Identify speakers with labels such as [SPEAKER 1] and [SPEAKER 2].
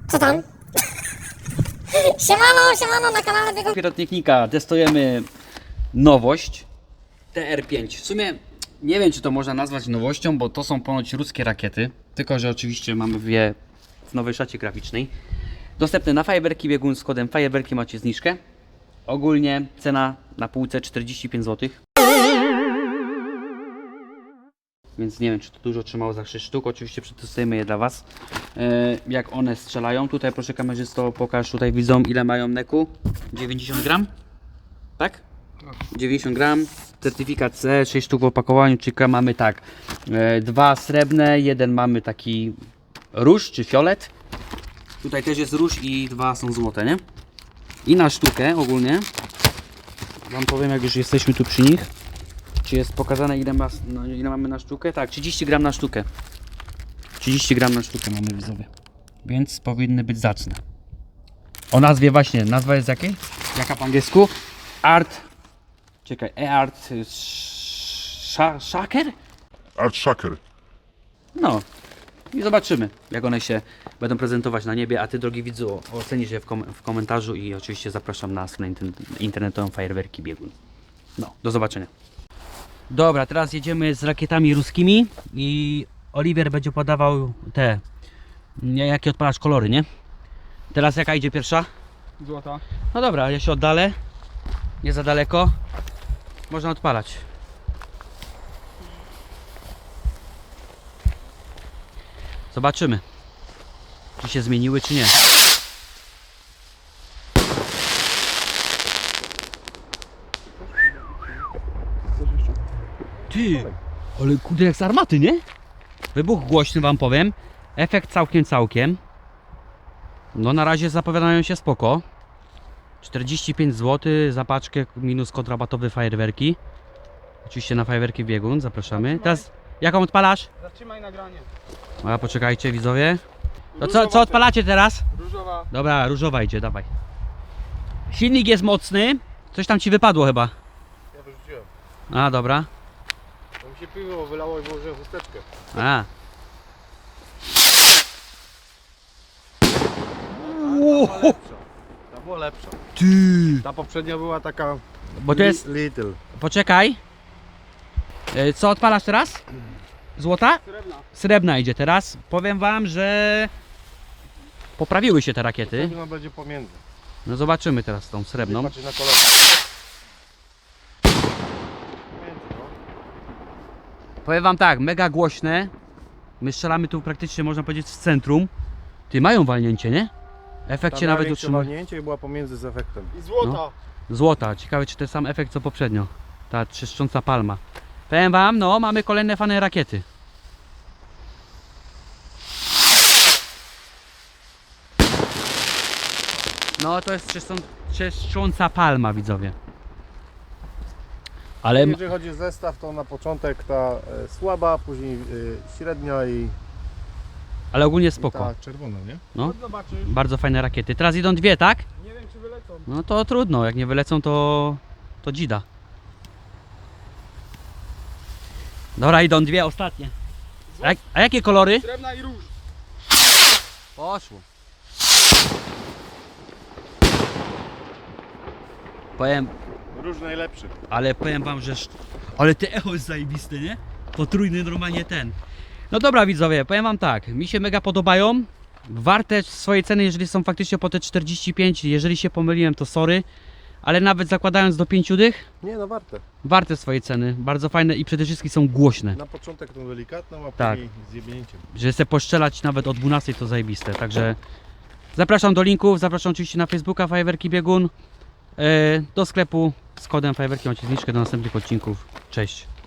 [SPEAKER 1] Co tam? Siemano na kanale Biegów
[SPEAKER 2] Pirotechnika, testujemy nowość TR5. W sumie nie wiem, czy to można nazwać nowością, bo to są ponoć ruskie rakiety. Tylko że oczywiście mamy je w nowej szacie graficznej. Dostępne na Fajerwerki Biegun z kodem Fajerwerki macie zniżkę. Ogólnie cena na półce 45 zł. Więc nie wiem, czy to dużo trzymało za 6 sztuk. Oczywiście przetestujemy je dla Was. Jak one strzelają. Tutaj proszę kamerzysto, pokaż tutaj widzom, ile mają neku. 90 gram? Tak? 90 gram. Certyfikat C, 6 sztuk w opakowaniu. Czyli mamy tak. 2 srebrne, jeden mamy taki róż czy fiolet. Tutaj też jest róż i 2 są złote, nie? I na sztukę ogólnie Wam powiem, jak już jesteśmy tu przy nich, czy jest pokazane, ile mamy na sztukę. Tak, 30 gram na sztukę. 30 gram na sztukę mamy, widzowie. Więc powinny być zacne. O nazwie właśnie, nazwa jest jakiej? Jaka po angielsku? Art. Czekaj, Art Shaker?
[SPEAKER 3] Art Shaker.
[SPEAKER 2] No. I zobaczymy, jak one się będą prezentować na niebie. A Ty, drogi widzu, ocenisz je w komentarzu i oczywiście zapraszam na stronę internetową Fajerwerki Biegun. No, do zobaczenia. Dobra, teraz jedziemy z rakietami ruskimi i Oliwier będzie podawał te, jakie odpalasz kolory, nie? Teraz jaka idzie pierwsza?
[SPEAKER 4] Złota.
[SPEAKER 2] No dobra, ja się oddalę, nie za daleko, można odpalać. Zobaczymy, czy się zmieniły, czy nie. Ty, ale kurde, jak z armaty, nie? Wybuch głośny, wam powiem. Efekt całkiem. No na razie zapowiadają się spoko. 45 zł za paczkę minus kod rabatowy Fajerwerki. Oczywiście na Fajerwerki Biegun, zapraszamy. Teraz jaką odpalasz?
[SPEAKER 4] Zatrzymaj nagranie.
[SPEAKER 2] A poczekajcie, widzowie. To co odpalacie teraz?
[SPEAKER 4] Różowa.
[SPEAKER 2] Dobra, różowa idzie, dawaj. Silnik jest mocny. Coś tam ci wypadło chyba.
[SPEAKER 4] Ja wyrzuciłem.
[SPEAKER 2] A, dobra.
[SPEAKER 4] To mi się piwo wylało i włożyłem chusteczkę.
[SPEAKER 2] A.
[SPEAKER 4] Ta była lepsza.
[SPEAKER 2] Ty.
[SPEAKER 4] Ta poprzednia była taka...
[SPEAKER 2] Bo to jest...
[SPEAKER 4] Little.
[SPEAKER 2] Poczekaj. Co odpalasz teraz? Złota?
[SPEAKER 4] Srebrna.
[SPEAKER 2] Srebrna idzie teraz. Powiem wam, że poprawiły się te rakiety.
[SPEAKER 4] Srebrna będzie pomiędzy.
[SPEAKER 2] No zobaczymy teraz tą srebrną.
[SPEAKER 4] Patrzcie na kolor. Pomiędzy, no.
[SPEAKER 2] Powiem wam tak, mega głośne. My strzelamy tu praktycznie, można powiedzieć, w centrum. Ty, mają walnięcie, nie? Efekt się nawet utrzymuje.
[SPEAKER 4] walnięcie i była pomiędzy z efektem. I złota.
[SPEAKER 2] Złota, ciekawe czy ten sam efekt co poprzednio. Ta trzeszcząca palma. Powiem wam, no mamy kolejne fajne rakiety. No to jest trzeszcząca palma, widzowie. Ale
[SPEAKER 4] Jeżeli chodzi o zestaw, to na początek ta słaba, później średnia
[SPEAKER 2] ale ogólnie
[SPEAKER 4] i
[SPEAKER 2] spoko.
[SPEAKER 4] ta czerwona, nie?
[SPEAKER 2] No.
[SPEAKER 4] Zobaczysz.
[SPEAKER 2] Bardzo fajne rakiety. Teraz idą dwie, tak?
[SPEAKER 4] Nie wiem, czy wylecą.
[SPEAKER 2] No to trudno, jak nie wylecą to dzida. Dobra, idą dwie ostatnie. A jakie kolory?
[SPEAKER 4] Srebrna i róż.
[SPEAKER 2] Poszło. Powiem,
[SPEAKER 4] Róż najlepszy.
[SPEAKER 2] ale powiem wam, że... Ale te echo jest zajebiste, nie? Potrójny normalnie ten. No dobra, widzowie, powiem wam tak. Mi się mega podobają. Warte swojej ceny, jeżeli są faktycznie po te 45. Jeżeli się pomyliłem, to sorry. Ale nawet zakładając do 5 dych,
[SPEAKER 4] Nie, no warte.
[SPEAKER 2] warte swojej ceny. Bardzo fajne i przede wszystkim są głośne.
[SPEAKER 4] Na początek tą delikatną, a
[SPEAKER 2] Tak.
[SPEAKER 4] później z jebnięciem.
[SPEAKER 2] Że chcę poszczelać nawet o 12 to zajebiste. Także zapraszam do linków, zapraszam oczywiście na Facebooka Fajerwerki Biegun. Do sklepu z kodem Fajerwerki macie zniżkę do następnych odcinków. Cześć.